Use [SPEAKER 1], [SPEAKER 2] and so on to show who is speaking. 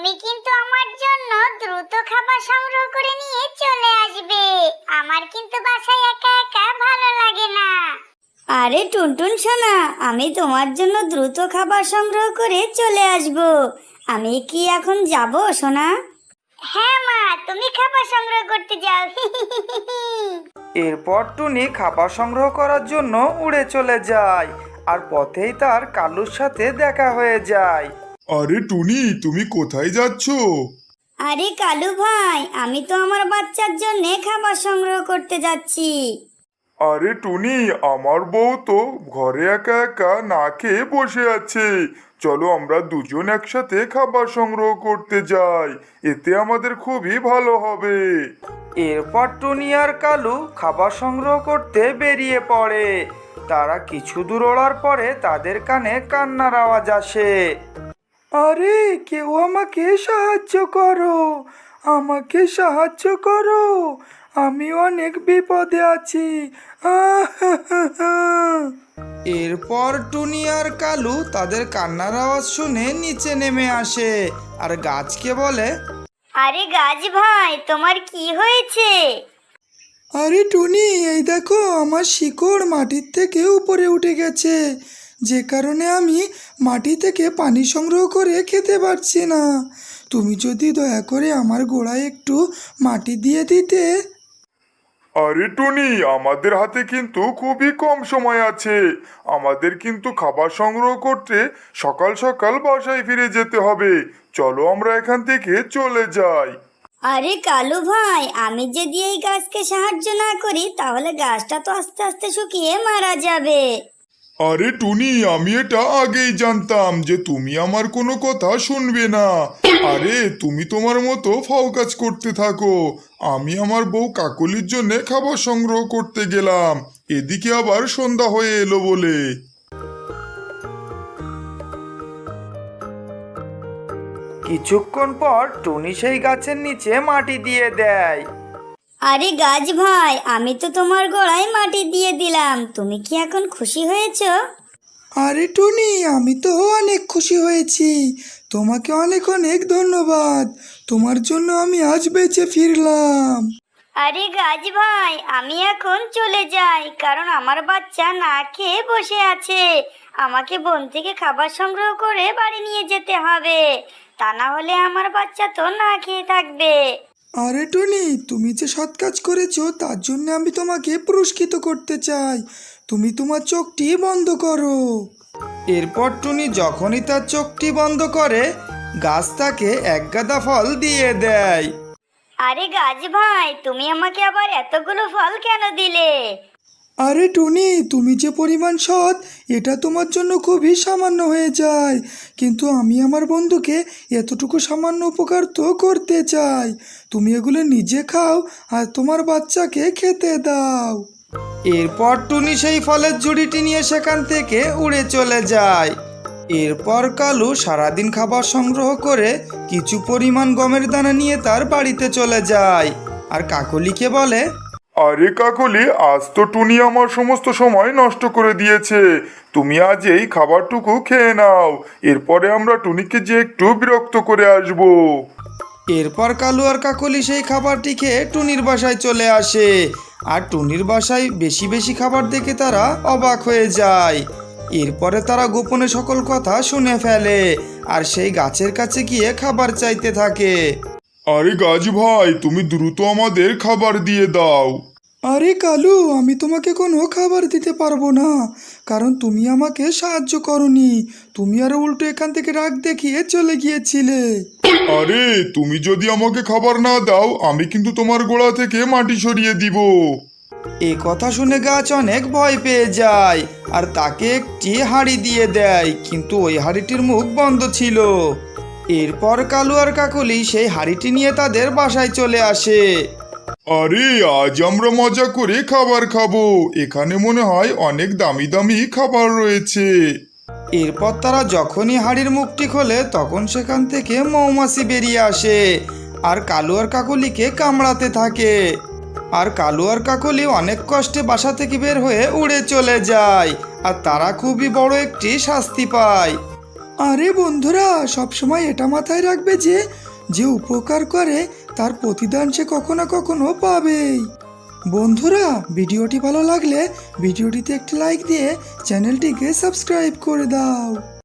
[SPEAKER 1] তুমি কিন্তু আমার জন্য দ্রুত খাবার সংগ্রহ করে নিয়ে চলে আসবে। আমার কিন্তু বাসায় একা একা ভালো লাগে না।
[SPEAKER 2] আরে টুনটুন সোনা, আমি তোমার জন্য দ্রুত খাবার সংগ্রহ করে চলে আসব। আমি কি এখন যাব সোনা?
[SPEAKER 1] হ্যাঁ মা, তুমি খাবার সংগ্রহ করতে যাও।
[SPEAKER 3] এরপর টুনি খাবার সংগ্রহ করার জন্য উড়ে চলে যায়, আর পথেই তার কালুর সাথে দেখা হয়ে যায়।
[SPEAKER 4] আরে টুনি, তুমি কোথায় যাচ্ছ?
[SPEAKER 2] আরে কালু ভাই, আমি তো আমার বাচ্চার জন্য খাবার সংগ্রহ করতে যাচ্ছি।
[SPEAKER 4] আরে টুনি, আমার বউ তো ঘরে একা একা না খেয়ে বসে আছে। চলো আমরা দুজন একসাথে খাবার সংগ্রহ করতে যাই, এতে আমাদের খুবই ভালো হবে।
[SPEAKER 3] এরপর টুনি আর কালু খাবার সংগ্রহ করতে বেরিয়ে পড়ে। তারা কিছু দূর ওড়ার পরে তাদের কানে কান্নার আওয়াজ আসে। আরে কেউ আমাকে সাহায্য করো, আমাকে সাহায্য করো, আমি অনেক বিপদে আছি। এরপর টুনি আর কালু তাদের কান্নার আওয়াজ শুনে নিচে নেমে আসে আর গাছকে বলে,
[SPEAKER 2] আরে গাছ ভাই, তোমার কি হয়েছে?
[SPEAKER 3] আরে টুনি, এই দেখো আমার শিকড় মাটির থেকে উপরে উঠে গেছে, যে কারণে আমি মাটি থেকে পানি সংগ্রহ করে খেতে পারছি না। তুমি যদি দয়া করে আমার গোড়ায় একটু মাটি দিয়ে দিতে।
[SPEAKER 4] আরে টুনি, আমাদের হাতে কিন্তু খুবই কম সময় আছে। আমাদের কিন্তু খাবার সংগ্রহ করতে সকাল সকাল বাসায় ফিরে যেতে হবে। চলো আমরা এখান থেকে চলে যাই।
[SPEAKER 2] আরে কালু ভাই, আমি যদি এই গাছকে সাহায্য না করি তাহলে গাছটা তো আস্তে আস্তে শুকিয়ে মারা যাবে।
[SPEAKER 4] আরে টুনি, আমি এটা আগেই জানতাম যে তুমি আমার কোনো কথা শুনবে না। আরে তুমি তোমার মতো ফাও কাজ করতে থাকো। আমি আমার বউ কাকলির জন্য খাবার সংগ্রহ করতে গেলাম, এদিকে আবার সন্ধ্যা হয়ে এলো বলে।
[SPEAKER 3] কিছুক্ষণ পর টুনি সেই গাছের নিচে মাটি দিয়ে দেয়।
[SPEAKER 2] আরে গাছ ভাই, আমি তো তোমার গোড়ায় মাটি দিয়ে দিলাম, তুমি কি এখন খুশি হয়েছো?
[SPEAKER 3] আরে টুনি, আমি তো অনেক খুশি হয়েছি। তোমাকে অনেক অনেক ধন্যবাদ। তোমার জন্য আমি আজ বেঁচে ফিরলাম।
[SPEAKER 2] আরে গাছ ভাই, আমি এখন চলে যাই, কারণ আমার বাচ্চা না খেয়ে বসে আছে। আমাকে বন থেকে খাবার সংগ্রহ করে বাড়ি নিয়ে যেতে হবে, তা না হলে আমার বাচ্চা তো না খেয়ে থাকবে।
[SPEAKER 3] আরে টুনি, তুমি যে সৎ কাজ করেছো তার জন্য আমি তোমাকে পুরস্কৃত করতে চাই। তুমি তোমার চোখটি বন্ধ করো। এরপর টুনি যখনই তার চোখটি বন্ধ করে, গাছ তাকে এক গাদা ফল দিয়ে দেয়।
[SPEAKER 2] আরে গাছ ভাই, তুমি আমাকে আবার এতগুলো ফল কেন দিলে?
[SPEAKER 3] আরে টুনি, তুমি যে পরিমাণ সৎ এটা তোমার জন্য খুবই সামান্য হয়ে যায়, কিন্তু আমি আমার বন্ধুকে এতটুকু সামান্য উপকার তো করতে চাই। তুমি এগুলো নিজে খাও আর তোমার বাচ্চাকে খেতে দাও। এরপর টুনি সেই ফলের ঝুড়িটি নিয়ে সেখান থেকে উড়ে চলে যায়। এরপর কালু সারাদিন খাবার সংগ্রহ করে কিছু পরিমাণ গমের দানা নিয়ে তার বাড়িতে চলে যায় আর কাকলিকে বলে,
[SPEAKER 4] আরে কাকলি, আজ তো টুনি আমার সমস্ত সময় নষ্ট করে দিয়েছে। তুমি আজ এই খাবারটুকু খেয়ে নাও, এরপরে আমরা টুনিকে যে একটু বিরক্ত করে আসবো।
[SPEAKER 3] এরপর কালু আর কাকলি সেই খাবারটি খেয়ে টুনির বাসায় চলে আসে, আর টুনির বাসায় বেশি বেশি খাবার দেখে তারা অবাক হয়ে যায়। এরপরে তারা গোপনে সকল কথা শুনে ফেলে আর সেই গাছের কাছে গিয়ে খাবার চাইতে থাকে।
[SPEAKER 4] আরে গাছ ভাই, তুমি দ্রুত আমাদের খাবার দিয়ে দাও।
[SPEAKER 3] আরে কালু, আমি তোমাকে কোনো খাবার দিতে পারবো না, কারণ তুমি আমাকে সাহায্য করনি। তুমি আরো উল্টো এখান থেকে রাগ দেখিয়ে চলে গিয়েছিলে।
[SPEAKER 4] আরে তুমি যদি আমাকে খাবার না দাও, আমি কিন্তু তোমার গোড়া থেকে মাটি সরিয়ে দিব।
[SPEAKER 3] এ কথা শুনে গাছ অনেক ভয় পেয়ে যায় আর তাকে একটি হাঁড়ি দিয়ে দেয়, কিন্তু ওই হাঁড়িটির মুখ বন্ধ ছিল। এরপর কালু আর কাকলি সেই হাঁড়িটি নিয়ে তাদের বাসায় চলে আসে।
[SPEAKER 4] আরে আজ আমরা মজা করে খাবার খাবো, এখানে মনে হয় অনেক দামি দামি খাবার রয়েছে।
[SPEAKER 3] এরপর তারা যখনই হাঁড়ির মুখটি খোলে তখন সেখান থেকে মৌমাছি বেরিয়ে আসে আর কালু আর কাকলিকে কামড়াতে থাকে। আর কালু আর কাকলি অনেক কষ্টে বাসা থেকে বের হয়ে উড়ে চলে যায় আর তারা খুবই বড় একটি শাস্তি পায়। আরে বন্ধুরা, সবসময় এটা মাথায় রাখবে যে যে উপকার করে তার প্রতিদান সে কখনো না কখনো পাবেই। বন্ধুরা, ভিডিওটি ভালো লাগলে ভিডিওটিতে একটি লাইক দিয়ে চ্যানেলটিকে সাবস্ক্রাইব করে দাও।